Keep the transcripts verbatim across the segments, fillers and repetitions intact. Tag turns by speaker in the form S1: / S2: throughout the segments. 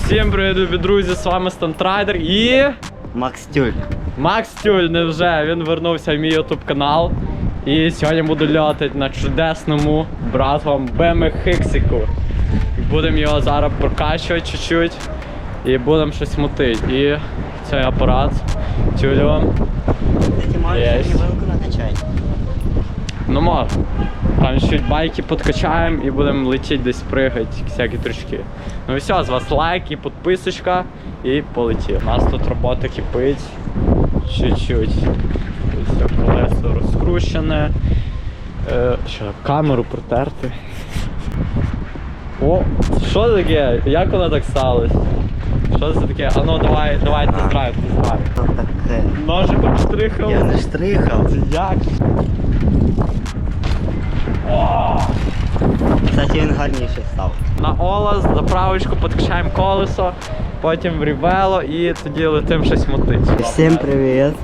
S1: Всім привіт, любі друзі, з вами Стантрайдер і...
S2: Макс Тюль.
S1: Макс Тюль, невже, він вернувся в мій ютуб канал. І сьогодні буду льотати на чудесному братвам бе ем ікс-іку. Будемо його зараз прокачувати чуть-чуть і будемо щось мутити. І цей апарат Тюлю.
S2: Кстати, можеш вилку накачати?
S1: Ну можна. Там чуть байки подкачаємо і будемо летіти десь пригати, всякі трючки. Ну і все, з вас лайк і підписочка і полетів. У нас тут робота кипить. Чуть-чуть. Ось колесо розкручене. Е, що, камеру протерти. О, що це таке? Як воно так сталося? Що це таке? А ну давай, давай тест-драйв, тест-драйв.
S2: Що таке?
S1: Ножиком штрихав.
S2: Я не штрихав.
S1: Як?
S2: Кстати, він гарніший став.
S1: На Олас, заправочку, підкачаємо колесо, потім в рівело і тоді летим щось мотить.
S2: Всім привіт.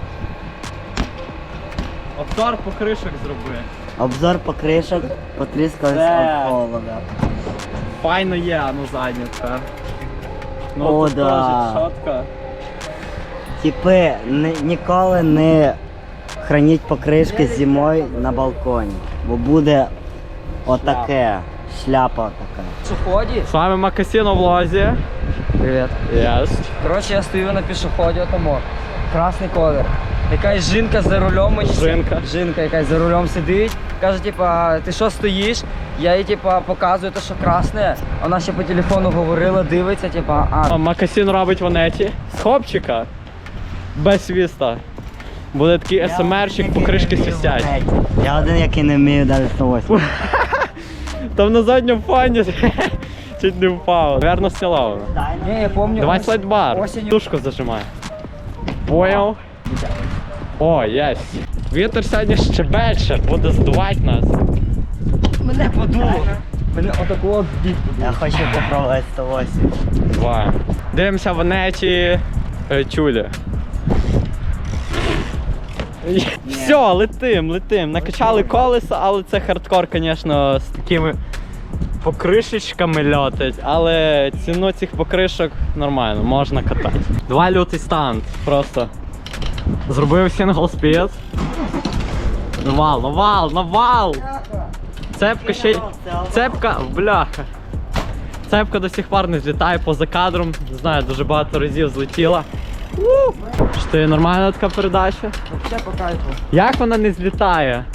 S1: Обзор покришок зроби.
S2: Обзор покришок потріскались
S1: Де?
S2: від холода.
S1: Файно є, а ну задня тепер. Ну
S2: О,
S1: тут
S2: да.
S1: теж шотка.
S2: Типи, ні- ніколи не храніть покришки зимою на балконі, бо буде отаке, шляпа така.
S3: Пешеходе.
S1: З вами Макасіно в влозі.
S3: Привет.
S1: Yes.
S3: Короче, я стою на пешеході, отамо. Красний колір. Якась жінка за рулем. мені-
S1: Жінка.
S3: Жінка якась за рулем сидить. Каже, типа, ти що стоїш? Я їй типа показую те, що красне. Вона ще по телефону говорила, дивиться, типа, а.
S1: Макасін робить в онеті. З хопчика. Без свіста. Буде такий ес ем ерчик, покришки свистять.
S2: Я один, який не вмію навіть сто восьмий.
S1: Там на задньому фоні чуть не впав. Верно сняла вона.
S3: Не, я помню.
S1: Давай
S3: ось-
S1: слайдбар.
S3: осінню-
S1: Тушку зажимай. Понял? О, єсть. Вітер сьогодні щебече, буде здувати нас.
S3: Мене подуло. Мене отаку от бік.
S2: Я хочу попробувати сто восьмий.
S1: Давай. Дивимося в онеті е, Тюлі. Все, летим, летим. Накачали колеса, але це хардкор, звісно, з такими покришечками льотить, але ціну цих покришок нормально, можна катати. Два лютий станд, просто. Зробив сингл спід. Навал, навал, навал! Цепка ще й... Цепка, бляха. Цепка до сих пор не злітає поза кадром. Не знаю, дуже багато разів злетіла. Що ти, нормальна така передача?
S3: Все по кайфу.
S1: Як вона не злітає?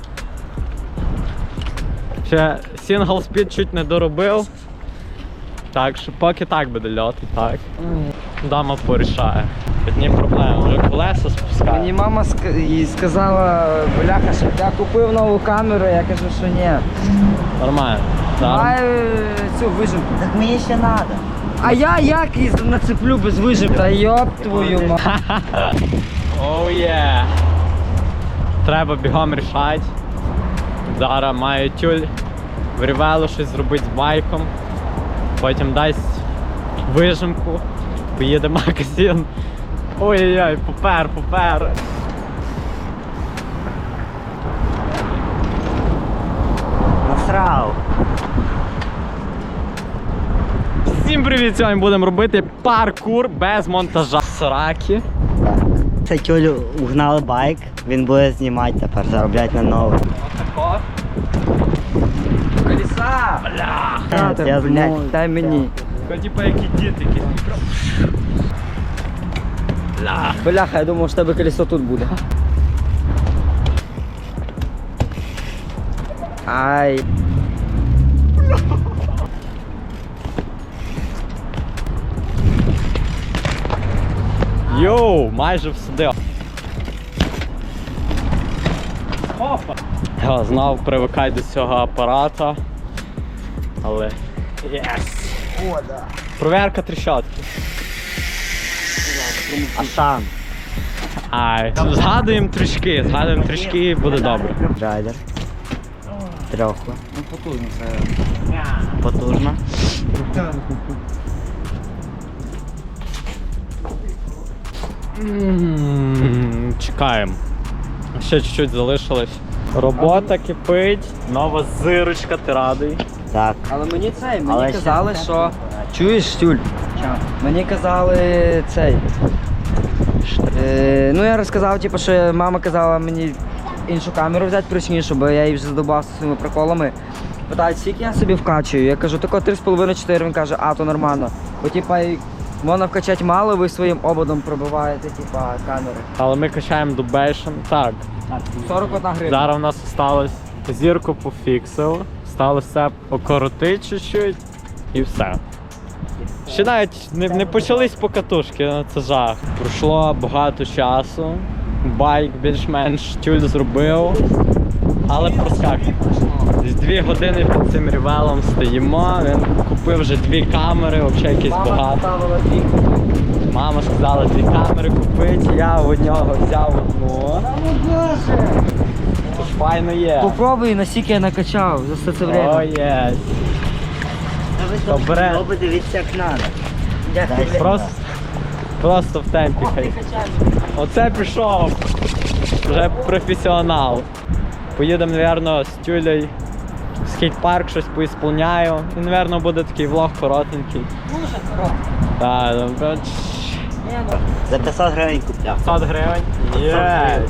S1: Ще сингл спід чуть не доробив. Так що поки так буде льоти, так. Дама порішає. Одні проблеми, вже колеса спускає.
S3: Мені мама ск- їй сказала, бляха, щоб я купив нову камеру, я кажу, що ні.
S1: Нормально. Так.
S3: Давай е, цю вижимку.
S2: Так мені ще треба.
S3: А я як її нацеплю без вижимки? Та йоп твою ма.
S1: Оу є. Треба бігом рішати. Зараз маю Тюль в рівело щось зробити з байком. Потім дасть вижимку. Поїде Макасін. Ой-ой-ой, попер, попер.
S2: Насрав.
S1: Всім привіт! Сьогодні будемо робити паркур без монтажа. Сраки.
S2: Так. Це Тюлю угнали байк, він буде знімати тепер, заробляти на новий.
S1: Отако.
S3: Колеса!
S1: Бля.
S3: Та,
S2: Я
S3: блядь,
S2: знаю.
S3: дай мені.
S1: Тако, типа, які діти, якісь мікро. Бля.
S3: Бляха, я думав, що тебе колесо тут буде. Ай.
S1: Йоу, майже всюди. Опа. Я знав, привикай до цього апарата. Але... Єс!
S2: О, да.
S1: Проверка тріщотки.
S2: А сам?
S1: Ай, згадуємо трішки, згадуємо трішки і буде добре.
S2: Райдер. Трьоху.
S3: Ну потужно це.
S2: Потужно.
S1: М, Чекаємо. Ще чуть-чуть залишилось. Робота кипить, нова зирочка, ти радий?
S2: Так.
S3: Але мені це, мені
S2: Але ще
S3: казали,
S2: не
S3: що Чуєш, Тюль? Мені казали цей. Е, ну я розказав, типу, що мама казала мені іншу камеру взяти прочнішу, бо я її вже задовбався своїми приколами. Питають, скільки я собі вкачую? Я кажу, тако три з половиною чотири. Він каже, а, то нормально. Бо типа і можна вкачати мало, ви своїм ободом пробиваєте, типа, камери.
S1: Але ми качаємо дубейшн. Так,
S3: сорок одна гривня.
S1: зараз у нас осталось зірку пофіксив, сталося окоротити чуть-чуть і все. Ще навіть не, не почались покатушки, ну, це жах. Пройшло багато часу, байк більш-менш тюль зробив, але проскак. З дві години під цим рівелом стоїмо, він купив вже дві камери, взагалі якийсь
S3: Мама
S1: багато.
S3: ставила дві.
S1: Мама сказала дві камери купити, я у нього взяв одну. Тож файно є.
S3: Попробуй, наскільки я накачав за все це время.
S1: О, є. Добре.
S2: Ну, подивіться, як треба.
S1: Просто, просто в темпі хай. Оце пішов. Вже професіонал. Поїдемо, мабуть, з Тюлею в скейт-парк, щось поісполняю. І, мабуть, буде такий влог коротенький.
S3: Дуже хорошо.
S1: Так, добре.
S3: Ні, ну.
S2: За п'ятсот гривень купляв.
S1: п'ятсот гривень. Є.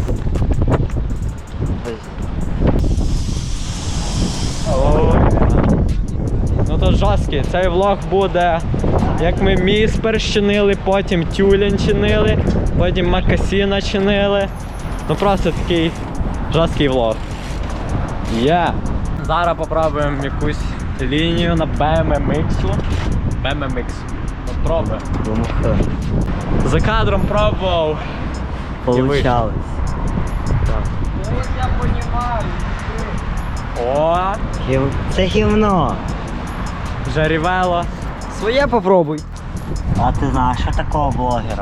S1: Ну то жорсткий. Цей влог буде, як ми міспер чинили, потім тюлень чинили, потім макасіна чинили. Ну просто такий жорсткий влог. Є. Зараз попробуємо якусь лінію на бі ем ем ікс. бі ем ем ікс. От пробуємо.
S2: Думаю,
S1: За кадром пробував.
S2: получалось.
S3: Ось я понімаю.
S1: О,
S2: Гів- Це гівно.
S1: вже рівело.
S3: Своє попробуй.
S2: А ти знаєш, що такого блогера?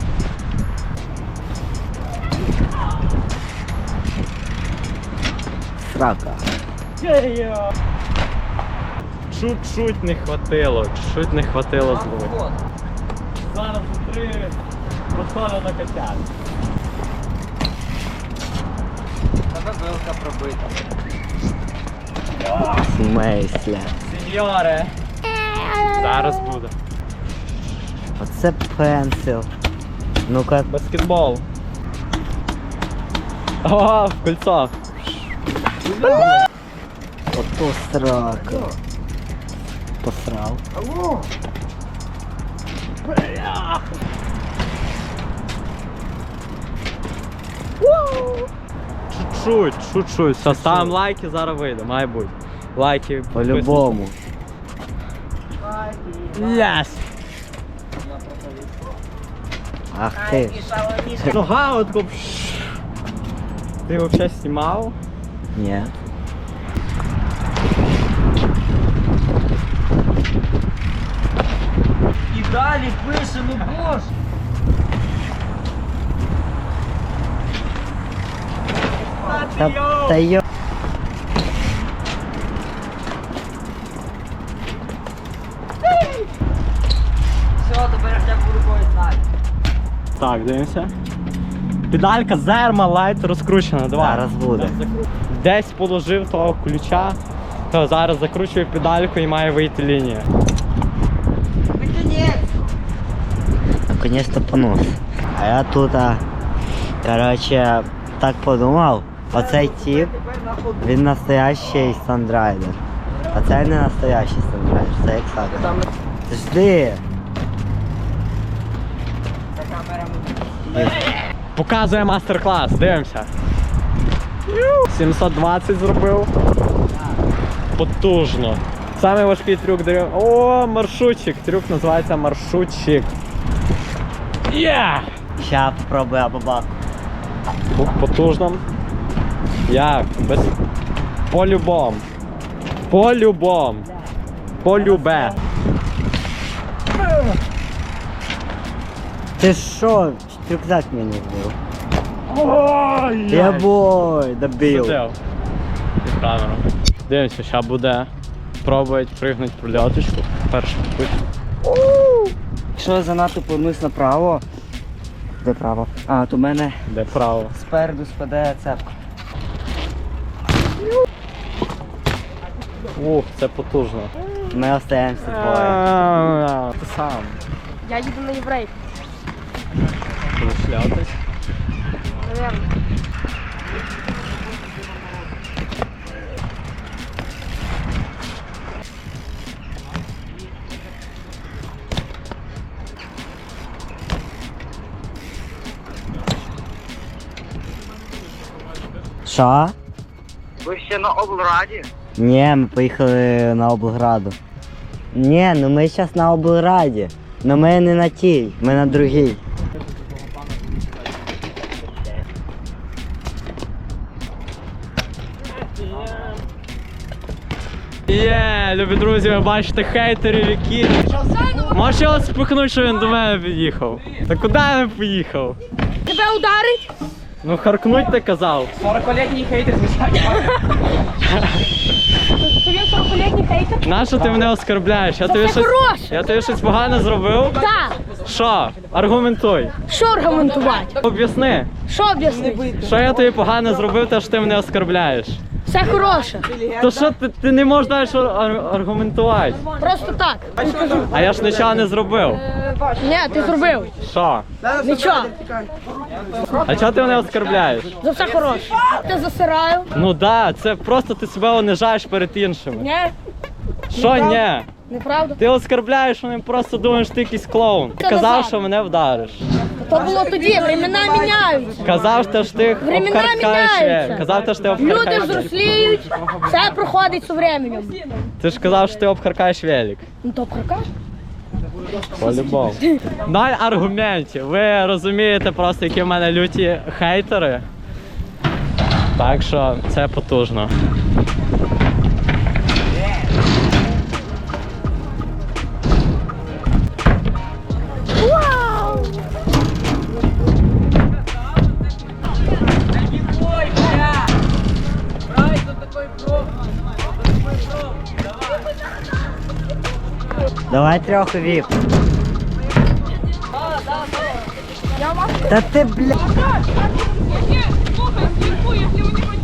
S2: Срака.
S1: Чуть-чуть не хватило, чуть-чуть не хватило зловити. Зараз три підходи на котят.
S3: Тебе вилка пробита.
S2: В смислі?
S1: Сеньоре. Зараз буде.
S2: Оце пенсил. Ну-ка,
S1: Баскетбол. О, в кольцо.
S2: ото срака. Посрав.
S3: Алло!
S1: Чуть-чуть, чуть-чуть. Все, ставимо лайки, зараз вийде, має бути. Лайки.
S2: По-любому.
S1: Yes.
S2: Ах ти.
S1: Нога от тако, пш. Ти взагалі знімав?
S2: Ні.
S3: І далі пише, ну боже!
S2: Та, та йо.
S3: Все, тепер я буду рукою знати.
S1: Так, дивимося. Педалька зерма лайт розкручена, давай.
S2: Зараз буде.
S1: Десь положив того ключа, то зараз закручую педальку і має вийти лінія.
S3: Наконець!
S2: Наконец-то понос. А я тут, а, короче, так подумав. Оцей тип, він настоящий сандрайдер. А це не настоящий сандрайдер, це як сака. Жди.
S3: За камерами.
S1: Показує мастер-клас, дивимося. сімсот двадцять зробив. Потужно. Самий важкий трюк даю. О, маршрутчик. Трюк називається маршрутчик. Є!
S2: Ща попробую абабак.
S1: Потужно. Як? Без... По-любому. По-любому. По-любе.
S2: Ти що? Рюкзак мені збив.
S1: Ой!
S2: Я бой, добив.
S1: Сидів. Під камеру. Дивимося, що буде. Пробують пригнути прольоточку. Перший путь.
S3: Якщо я занадто повернусь направо. Де право? А, то в мене
S1: Де право.
S3: спереду спаде цепка.
S1: Ух, це потужно.
S2: Ми остаємося двоє.
S1: А, Ти сам.
S4: Я їду на єврей.
S1: Будеш шлятись.
S4: Наверно.
S2: Що?
S5: Ви ще на облраді?
S2: Ні, ми поїхали на облграду. Ні, ну ми зараз на облраді. Ну ми не на тій, ми на другій.
S1: Є, любі друзі, ви бачите хейтерів, які... Можеш його спихнути, що він до мене під'їхав? Та куди він поїхав?
S4: Тебе ударить?
S1: Ну харкнуть ти казав.
S3: сорокалітній хейтер, звичайно.
S4: То він сорокалітній хейтер?
S1: Нащо ти мене оскорбляєш? Я тобі
S4: це
S1: щось...
S4: хороше.
S1: Я тобі щось погане зробив?
S4: Так.
S1: Що? Аргументуй.
S4: Що аргументувати?
S1: Об'ясни.
S4: Що об'яснити?
S1: Що я тобі погано зробив, те що ти мене оскорбляєш?
S4: Все хороше.
S1: То що ти, ти не можеш далі ар- аргументувати?
S4: Просто так.
S1: А я ж нічого не зробив.
S4: Ні, ти зробив.
S1: Що?
S4: Нічого.
S1: А чого ти мене оскорбляєш?
S4: За все хороше. Ти засираю.
S1: Ну да, це просто ти себе унижаєш перед іншими.
S4: Ні,
S1: Що ні?
S4: неправда.
S1: Ти оскорбляєш, вони просто думають, що ти якийсь клоун. Ти
S4: Це
S1: казав,
S4: назад.
S1: що мене вдариш.
S4: То було тоді, времена міняються.
S1: Казав, що ж ти
S4: Времена
S1: обхаркаєш.
S4: міняються.
S1: Казав, що ти
S4: Люди
S1: обхаркаєш.
S4: взросліють, все проходить з временем.
S1: Ти ж казав, що ти обхаркаєш велик.
S4: Ну то прокаж.
S1: По-любому. Ноль аргументів. Ви розумієте просто, які в мене люті хейтери. Так що це потужно.
S4: Вау!
S2: Давай трьох віп. Та ти, бля.
S6: Слухай, слухай, якщо ви не